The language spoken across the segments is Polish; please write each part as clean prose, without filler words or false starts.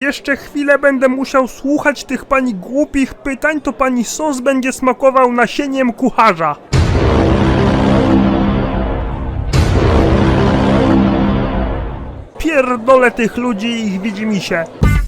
jeszcze chwilę będę musiał słuchać tych pani głupich pytań, to pani sos będzie smakował nasieniem kucharza. Pierdolę tych ludzi i ich widzimisię.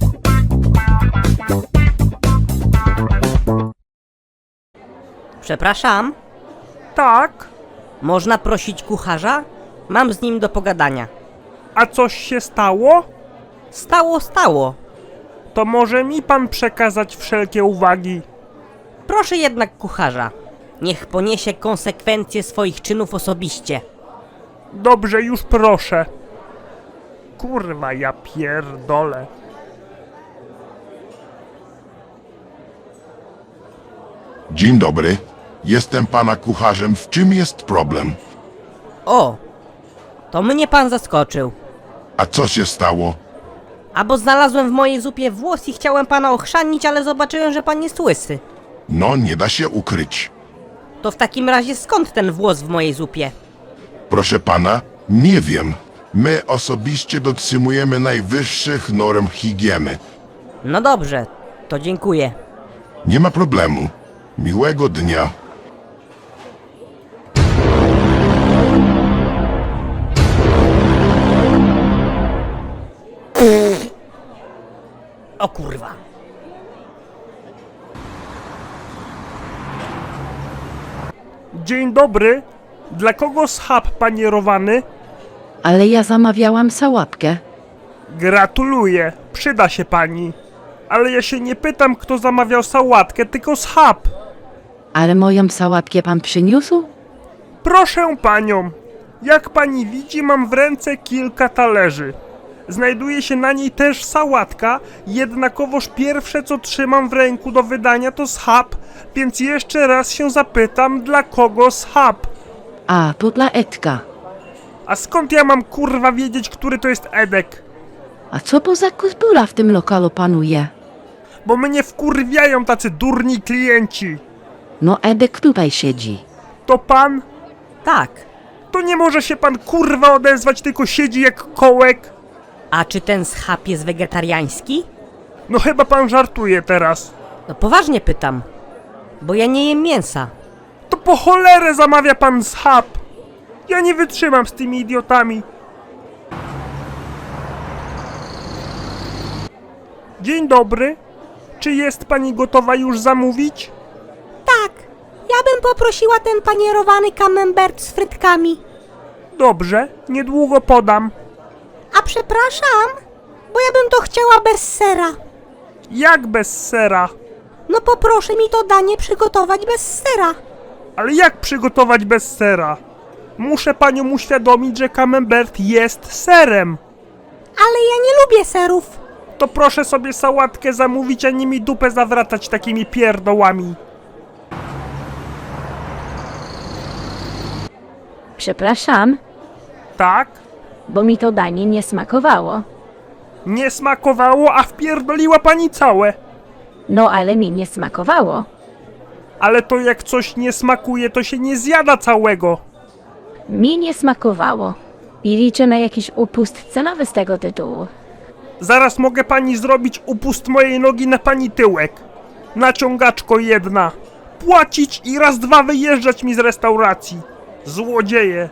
Przepraszam, Tak? można prosić kucharza? Mam z nim do pogadania. A coś się stało? Stało. To może mi pan przekazać wszelkie uwagi. Proszę jednak kucharza. Niech poniesie konsekwencje swoich czynów osobiście. Dobrze, już proszę. Kurwa, ja pierdolę. Dzień dobry. Jestem pana kucharzem. W czym jest problem? O, to mnie pan zaskoczył. A co się stało? A bo znalazłem w mojej zupie włos i chciałem pana ochrzanić, ale zobaczyłem, że pan jest łysy. No, nie da się ukryć. To w takim razie skąd ten włos w mojej zupie? Proszę pana, nie wiem. My osobiście dotrzymujemy najwyższych norm higieny. No dobrze, to dziękuję. Nie ma problemu. Miłego dnia. O kurwa. Dzień dobry. Dla kogo schab panierowany? Ale ja zamawiałam sałatkę. Gratuluję, przyda się pani. Ale ja się nie pytam, kto zamawiał sałatkę, tylko schab. Ale moją sałatkę pan przyniósł? Proszę panią, jak pani widzi, mam w ręce kilka talerzy. Znajduje się na niej też sałatka, jednakowoż pierwsze co trzymam w ręku do wydania to schab, więc jeszcze raz się zapytam, dla kogo schab? A, to dla Edka. A skąd ja mam kurwa wiedzieć, który to jest Edek? A co poza kultura w tym lokalu panuje? Bo mnie wkurwiają tacy durni klienci. No Edek tutaj siedzi. To pan? Tak. To nie może się pan kurwa odezwać, tylko siedzi jak kołek? A czy ten schab jest wegetariański? No chyba pan żartuje teraz. No poważnie pytam. Bo ja nie jem mięsa. To po cholerę zamawia pan schab. Ja nie wytrzymam z tymi idiotami. Dzień dobry. Czy jest pani gotowa już zamówić? Tak. Ja bym poprosiła ten panierowany camembert z frytkami. Dobrze, niedługo podam. A przepraszam, bo ja bym to chciała bez sera. Jak bez sera? No poproszę mi to danie przygotować bez sera. Ale jak przygotować bez sera? Muszę panią uświadomić, że camembert jest serem. Ale ja nie lubię serów. To proszę sobie sałatkę zamówić, a nie mi dupę zawracać takimi pierdołami. Przepraszam, Tak? bo mi to danie nie smakowało. Nie smakowało, a wpierdoliła pani całe. No ale mi nie smakowało. Ale to jak coś nie smakuje, to się nie zjada całego. Mi nie smakowało. I liczę na jakiś upust cenowy z tego tytułu. Zaraz mogę pani zrobić upust mojej nogi na pani tyłek. Naciągaczko jedna. Płacić i raz dwa wyjeżdżać mi z restauracji. Złodzieje.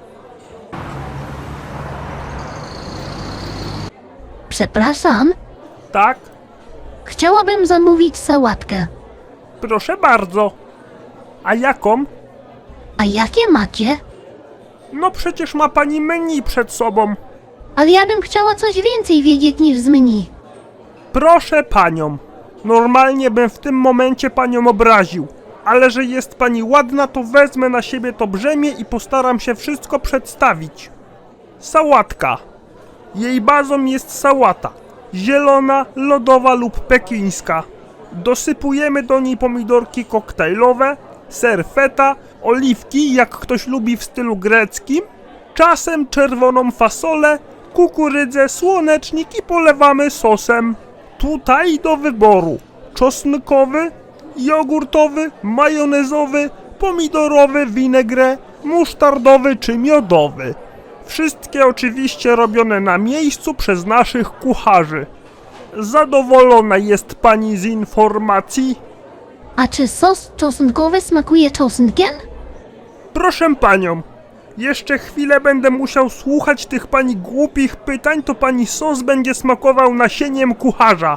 Przepraszam, Tak? chciałabym zamówić sałatkę. Proszę bardzo. A jaką? A jakie macie? No przecież ma pani menu przed sobą. Ale ja bym chciała coś więcej wiedzieć niż z menu. Proszę panią. Normalnie bym w tym momencie panią obraził. Ale że jest pani ładna, to wezmę na siebie to brzemię i postaram się wszystko przedstawić. Sałatka. Jej bazą jest sałata. Zielona, lodowa lub pekińska. Dosypujemy do niej pomidorki koktajlowe, ser feta, oliwki, jak ktoś lubi w stylu greckim, czasem czerwoną fasolę, kukurydzę, słonecznik i polewamy sosem. Tutaj do wyboru czosnkowy, jogurtowy, majonezowy, pomidorowy, vinaigrette, musztardowy czy miodowy. Wszystkie oczywiście robione na miejscu przez naszych kucharzy. Zadowolona jest pani z informacji? A czy sos czosnkowy smakuje czosnkiem? Proszę panią, jeszcze chwilę będę musiał słuchać tych pani głupich pytań, to pani sos będzie smakował nasieniem kucharza.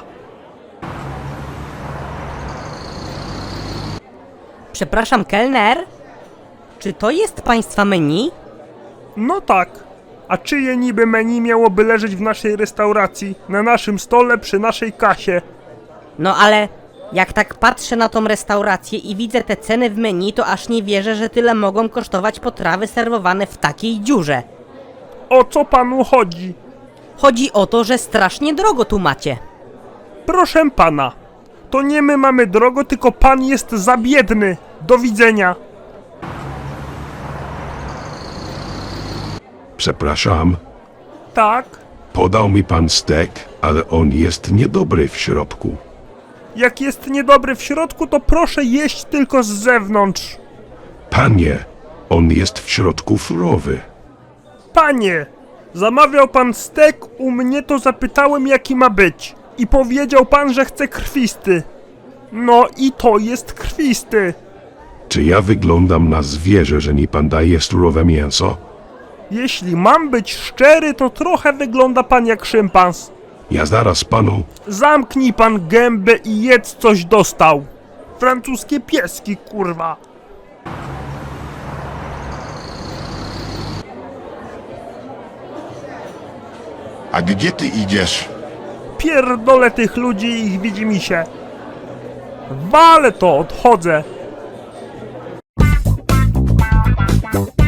Przepraszam, kelner? Czy to jest państwa menu? No tak. A czyje niby menu miałoby leżeć w naszej restauracji, na naszym stole, przy naszej kasie? No ale jak tak patrzę na tą restaurację i widzę te ceny w menu, to aż nie wierzę, że tyle mogą kosztować potrawy serwowane w takiej dziurze. O co panu chodzi? Chodzi o to, że strasznie drogo tu macie. Proszę pana, to nie my mamy drogo, tylko pan jest za biedny. Do widzenia. Przepraszam, Tak? podał mi pan stek, ale on jest niedobry w środku. Jak jest niedobry w środku, to proszę jeść tylko z zewnątrz. Panie, on jest w środku surowy. Panie, zamawiał pan stek, u mnie to zapytałem jaki ma być. I powiedział pan, że chce krwisty. No i to jest krwisty. Czy ja wyglądam na zwierzę, że mi pan daje surowe mięso? Jeśli mam być szczery, to trochę wygląda pan jak szympans. Ja zaraz panu... Zamknij pan gębę i jedz coś dostał. Francuskie pieski, kurwa. A gdzie ty idziesz? Pierdolę tych ludzi i ich widzimisię. Walę to, odchodzę.